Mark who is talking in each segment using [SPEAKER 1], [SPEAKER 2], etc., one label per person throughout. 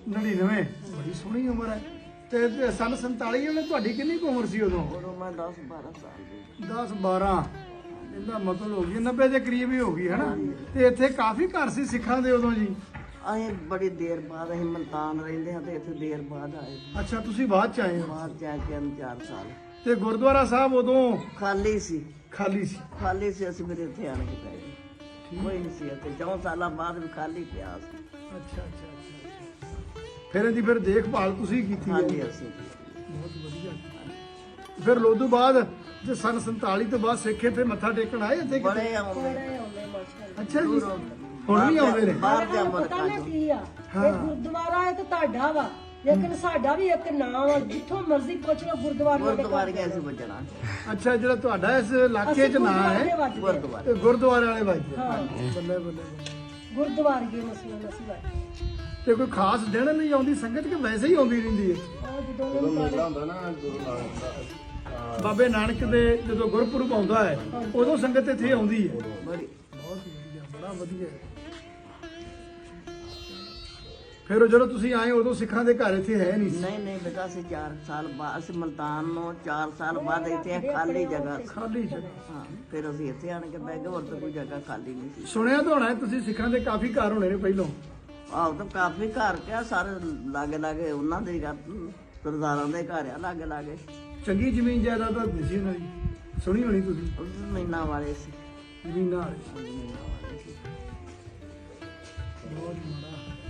[SPEAKER 1] 99 ਬੜੀ ਸੋਹਣੀ ਉਮਰ ਹੈ। ਤੇ ਸੰਨ 47 ਵਾਲੇ ਤੁਹਾਡੀ ਕਿੰਨੀ ਕੁ ਉਮਰ ਸੀ ਉਦੋਂ?
[SPEAKER 2] ਉਦੋਂ ਮੈਂ 10-12 ਸਾਲ ਦੀ।
[SPEAKER 1] 10-12 ਇਹਦਾ ਮਤਲਬ ਹੋ ਗਈ 90 ਦੇ ਕਰੀਬ ਹੀ ਹੋ ਗਈ ਹੈ ਨਾ। ਤੇ ਇੱਥੇ ਕਾਫੀ ਘਰ ਸੀ ਸਿੱਖਾਂ ਦੇ ਉਦੋਂ ਜੀ?
[SPEAKER 2] ਅਸੀਂ ਬੜੀ ਦੇਰ ਬਾਅਦ ਅਸੀਂ ਮਲਤਾਨ ਰਹਿੰਦੇ ਹਾਂ ਤੇ ਇੱਥੇ ਦੇਰ ਬਾਅਦ ਆਏ।
[SPEAKER 1] ਅੱਛਾ, ਤੁਸੀਂ ਬਾਅਦ ਚ ਆਏ ਹੋ।
[SPEAKER 2] ਬਾਹਰ ਜਾ ਕੇ 4 ਸਾਲ
[SPEAKER 1] ਤੇ ਗੁਰਦੁਆਰਾ ਸਾਹਿਬ ਉਦੋਂ
[SPEAKER 2] ਖਾਲੀ ਸੀ।
[SPEAKER 1] ਖਾਲੀ ਸੀ?
[SPEAKER 2] ਖਾਲੀ ਸੀ, ਅਸੀਂ ਮੇਰੇ ਇੱਥੇ ਆਣ ਕੇ ਪੈ ਗਏ। ਕੋਈ ਨਹੀਂ ਸੀ ਇੱਥੇ, 4 ਸਾਲਾਂ ਬਾਅਦ ਵੀ ਖਾਲੀ ਪਿਆ ਸੀ।
[SPEAKER 1] ਅੱਛਾ ਅੱਛਾ ਅੱਛਾ। ਫਿਰ ਇਹਦੀ ਫਿਰ ਦੇਖਭਾਲ ਤੁਸੀਂ ਕੀਤੀ ਹੈ?
[SPEAKER 2] ਹਾਂਜੀ ਅਸੀਂ
[SPEAKER 1] ਬਹੁਤ ਵਧੀਆ। ਫਿਰ ਲੋਧੂ ਬਾਅਦ ਜੇ ਸੰਨ 47 ਤੋਂ ਬਾਅਦ ਸਿੱਖੇ ਤੇ ਮੱਥਾ ਟੇਕਣ ਆਏ ਇੱਥੇ ਕਿਤੇ?
[SPEAKER 2] ਬੜੇ ਆਉਂਦੇ।
[SPEAKER 1] ਅੱਛਾ ਜੀ, ਹੁਣ ਵੀ ਆਉਂਦੇ ਨੇ?
[SPEAKER 2] ਬਾਹਰ ਜਾ
[SPEAKER 3] ਪਤਾ
[SPEAKER 2] ਮੁਲਕਾਂ
[SPEAKER 3] ਨਾ
[SPEAKER 2] ਚੋਂ।
[SPEAKER 3] ਕੀ ਆ, ਇਹ ਗੁਰਦੁਆਰਾ ਹੈ ਤੇ ਤੁਹਾਡਾ ਵਾ, ਲੇਕਿਨ ਸਾਡਾ ਵੀ ਇੱਕ ਨਾਮ ਆ, ਜਿੱਥੋਂ ਮਰਜ਼ੀ ਪੁੱਛ ਲਓ ਗੁਰਦੁਆਰੇ ਦੇ
[SPEAKER 2] ਗੁਰਦੁਆਰੇ ਗਏ ਸੀ ਵੱਜਣਾ।
[SPEAKER 1] ਅੱਛਾ, ਜਿਹੜਾ ਤੁਹਾਡਾ ਇਸ ਇਲਾਕੇ 'ਚ ਨਾਂ ਹੈ
[SPEAKER 2] ਗੁਰਦੁਆਰੇ
[SPEAKER 1] ਤੇ ਗੁਰਦੁਆਰੇ ਵਾਲੇ ਵੱਜਦੇ?
[SPEAKER 3] ਹਾਂ।
[SPEAKER 1] ਬੱਲੇ ਬੱਲੇ।
[SPEAKER 3] ਗੁਰਦੁਆਰੇ ਗਏ ਮਸਲਾ ਨਸੀ ਵਾਲੇ
[SPEAKER 1] ਤੇ ਕੋਈ ਖਾਸ ਦਿਨ ਨਹੀਂ ਆਉਂਦੀ ਸੰਗਤ ਕਿ ਵੈਸੇ ਹੀ ਆਉਂਦੀ ਰਹਿੰਦੀ ਹੈ?
[SPEAKER 3] ਉਹ ਜਦੋਂ ਮੇਲਾ ਹੁੰਦਾ ਨਾ
[SPEAKER 1] ਬਾਬੇ ਨਾਨਕ ਦੇ ਜਦੋਂ ਗੁਰਪੁਰਬ ਆਉਂਦਾ ਹੈ ਉਦੋਂ ਸੰਗਤ ਇੱਥੇ ਆਉਂਦੀ ਹੈ?
[SPEAKER 2] ਬੜੀ
[SPEAKER 1] ਬਹੁਤ ਵਧੀਆ, ਬੜਾ ਵਧੀਆ। ਫਿਰ ਜਦੋਂ ਤੁਸੀਂ ਆਏ ਉਦੋਂ ਸਿੱਖਾਂ ਦੇ ਘਰ ਇੱਥੇ ਹੈ ਨਹੀਂ ਸੀ?
[SPEAKER 2] ਨਹੀਂ ਬੇਟਾ, ਅਸੀਂ 4 ਸਾਲ ਬਾਅਦ ਅਸੀਂ ਮਲਤਾਨ ਨੂੰ 4 ਸਾਲ ਬਾਅਦ ਇੱਥੇ ਖਾਲੀ ਜਗ੍ਹਾ ਸੀ।
[SPEAKER 1] ਖਾਲੀ ਜਗ੍ਹਾ।
[SPEAKER 2] ਹਾਂ, ਫਿਰ ਅਸੀਂ ਇੱਥੇ ਆਣ ਕੇ ਬਹਿ ਗਏ, ਹੋਰ ਤਾਂ ਕੋਈ ਜਗ੍ਹਾ ਖਾਲੀ ਨਹੀਂ ਸੀ।
[SPEAKER 1] ਸੁਣਿਆ ਤਾਂ ਹੋਣਾ ਤੁਸੀਂ ਸਿੱਖਾਂ ਦੇ ਕਾਫੀ ਘਰ ਹੋਣੇ ਨੇ ਪਹਿਲੋਂ?
[SPEAKER 2] ਆਹ ਤਾਂ ਕਾਫੀ ਘਰ ਕਿਆ ਸਾਰੇ ਲਾਗੇ ਉਹਨਾਂ ਦੇ ਸਰਦਾਰਾਂ ਦੇ ਘਰ ਆ ਲਾਗੇ।
[SPEAKER 1] ਚੰਗੀ ਜ਼ਮੀਨ ਜਾਇਦਾਦ ਤਾਂ ਸੀ ਉਹਨਾਂ ਦੀ, ਸੁਣੀ ਹੋਣੀ ਤੁਸੀਂ?
[SPEAKER 2] ਉਹ ਜ਼ਮੀਨਾਂ ਵਾਲੇ ਸੀ।
[SPEAKER 1] ਜ਼ਮੀਨਾਂ ਵਾਲੇ।
[SPEAKER 2] ਜ਼ਮੀਨਾਂ ਵਾਲੇ ਸੀ।
[SPEAKER 1] ਬਹੁਤ ਮਾੜਾ।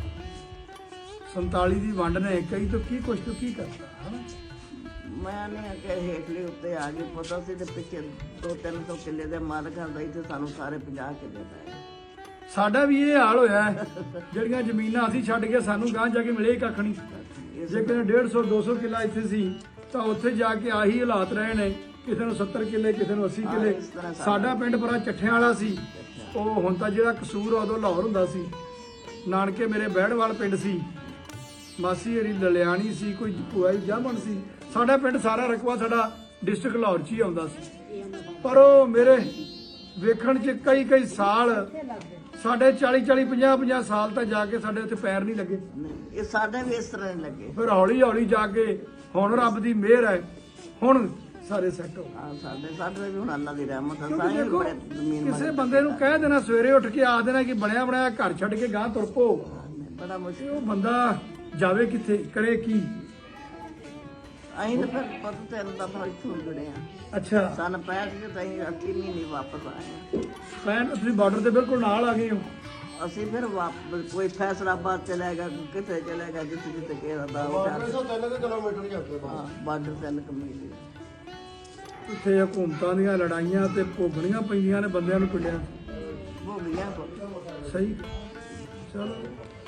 [SPEAKER 1] 47 ਦੀ ਵੰਡ ਨੇ ਕਈ ਤੋਂ ਕੀ ਕੁਛ ਤੋਂ ਕੀ ਕਰਤਾ ਹਨਾ?
[SPEAKER 2] ਮੈਂ ਨਹੀਂ ਆ ਕਿ ਹੇਠਲੇ ਉੱਤੇ ਆ ਗਏ, ਪਤਾ ਸੀ ਤੇ ਪਿੱਛੇ 200-300 ਕਿੱਲੇ ਦੇ ਮਾਲਕ ਹੁੰਦਾ ਇੱਥੇ ਸਾਨੂੰ ਸਾਰੇ 50 ਕਿੱਲੇ ਪੈ ਗਏ।
[SPEAKER 1] ਸਾਡਾ ਵੀ ਇਹ ਹਾਲ ਹੋਇਆ ਹੈ। ਜਿਹੜੀਆਂ ਜ਼ਮੀਨਾਂ ਅਸੀਂ ਛੱਡ ਕੇ ਸਾਨੂੰ ਗਾਂ ਜਾ ਕੇ ਮਿਲੇ ਹੀ ਕੱਖ ਨਹੀਂ। ਜੇ ਕਿਤੇ 150-200 ਕਿੱਲਾ ਇੱਥੇ ਸੀ ਤਾਂ ਉੱਥੇ ਜਾ ਕੇ ਆਹੀ ਹਾਲਾਤ ਰਹੇ ਨੇ, ਕਿਸੇ ਨੂੰ 70 ਕਿੱਲੇ, ਕਿਸੇ ਨੂੰ 80 ਕਿੱਲੇ।
[SPEAKER 2] ਇਸ ਤਰ੍ਹਾਂ
[SPEAKER 1] ਸਾਡਾ ਪਿੰਡ ਬੜਾ ਚੱਠਿਆਂ ਵਾਲਾ ਸੀ। ਉਹ ਹੁਣ ਤਾਂ ਜਿਹੜਾ ਕਸੂਰ ਆ ਉਦੋਂ ਲਾਹੌਰ ਹੁੰਦਾ ਸੀ। ਨਾਨਕੇ ਮੇਰੇ ਬਹਿੜਵਾਲ ਪਿੰਡ ਸੀ, ਮਾਸੀ ਹਰੀ ਲਲਿਆਣੀ ਸੀ, ਕੋਈ ਭੂਆ ਜੀ ਜਾਮਣ ਸੀ। ਸਾਡਾ ਪਿੰਡ ਸਾਰਾ ਰਕਬਾ ਸਾਡਾ ਡਿਸਟ੍ਰਿਕਟ ਲਾਹੌਰ 'ਚ ਹੀ ਆਉਂਦਾ ਸੀ। ਪਰ ਉਹ ਮੇਰੇ ਵੇਖਣ 'ਚ ਕਈ ਸਾਲ, ਸਾਡੇ 40-40, 50-50 ਸਾਲ ਤੱਕ ਜਾ ਕੇ ਸਾਡੇ ਉੱਥੇ ਪੈਰ ਨਹੀਂ ਲੱਗੇ।
[SPEAKER 2] ਨਹੀਂ, ਇਹ ਸਾਡੇ ਵੀ ਇਸ ਤਰ੍ਹਾਂ ਹੀ ਲੱਗੇ।
[SPEAKER 1] ਫਿਰ ਹੌਲੀ ਜਾ ਕੇ ਹੁਣ ਰੱਬ ਦੀ ਮਿਹਰ ਹੈ, ਹੁਣ ਸਾਰੇ ਸੈੱਟ ਹੋ ਗਏ।
[SPEAKER 2] ਸਾਡੇ ਵੀ ਹੁਣ ਅੱਲਾ ਦੀ ਰਹਿਮਤ ਹੈ।
[SPEAKER 1] ਕਿਉਂਕਿ
[SPEAKER 2] ਸਾਰੇ
[SPEAKER 1] ਦੇਖੋ,
[SPEAKER 2] ਬੜੇ ਜ਼ਮੀਨ
[SPEAKER 1] ਕਿਸੇ ਬੰਦੇ ਨੂੰ ਕਹਿ ਦੇਣਾ ਸਵੇਰੇ ਉੱਠ ਕੇ ਆ ਦੇਣਾ ਕਿ ਬਣਿਆ ਬਣਾਇਆ ਘਰ ਛੱਡ ਕੇ ਗਾਂ ਤੁਰ ਪੋ,
[SPEAKER 2] ਬੜਾ
[SPEAKER 1] ਤੇ
[SPEAKER 2] ਮੁਸ਼ਕਿਲ।
[SPEAKER 1] ਉਹ ਬੰਦਾ ਜਾਵੇ ਕਿੱਥੇ, ਕਰੇ ਕੀ?
[SPEAKER 2] ਅਸੀਂ ਤਾਂ ਫਿਰ ਪਤਾ ਤੈਨੂੰ ਤਾਂ ਥੋੜੀ ਛੁੱਟ ਗਏ ਆ।
[SPEAKER 1] ਅੱਛਾ,
[SPEAKER 2] ਸਨ 65 ਚ ਤਾਂ ਅਸੀਂ 8 ਮਹੀਨੇ ਵਾਪਸ ਆਏ
[SPEAKER 1] ਮੈਂ ਤੁਸੀਂ ਬਾਰਡਰ ਦੇ ਬਿਲਕੁਲ ਨਾਲ ਆ ਗਏ ਹੋ।
[SPEAKER 2] ਆ। ਅਸੀਂ ਫਿਰ ਵਾਪਸ ਕੋਈ ਫੈਸਲਾਬਾਦ ਚਲੇ ਗਿਆ, ਕੋਈ ਕਿੱਥੇ ਚਲੇ ਗਿਆ, ਜਿੱਥੇ ਕਿਹੜਾ ਦਾ
[SPEAKER 4] ਕਿਲੋਮੀਟਰ ਹੀ ਜਾਂਦੇ
[SPEAKER 2] ਹਾਂ, ਬਾਰਡਰ ਤੇ ਕਮੇਟੀ।
[SPEAKER 1] ਇੱਥੇ ਹਕੂਮਤਾਂ ਦੀਆਂ ਲੜਾਈਆਂ ਤੇ ਭੋਗਣੀਆਂ ਪੈਂਦੀਆਂ ਨੇ ਬੰਦਿਆਂ ਨੂੰ ਪਿੰਡਾਂ 'ਚ।
[SPEAKER 2] ਹੋ ਗਿਆ
[SPEAKER 1] ਸਹੀ। ਚਲੋ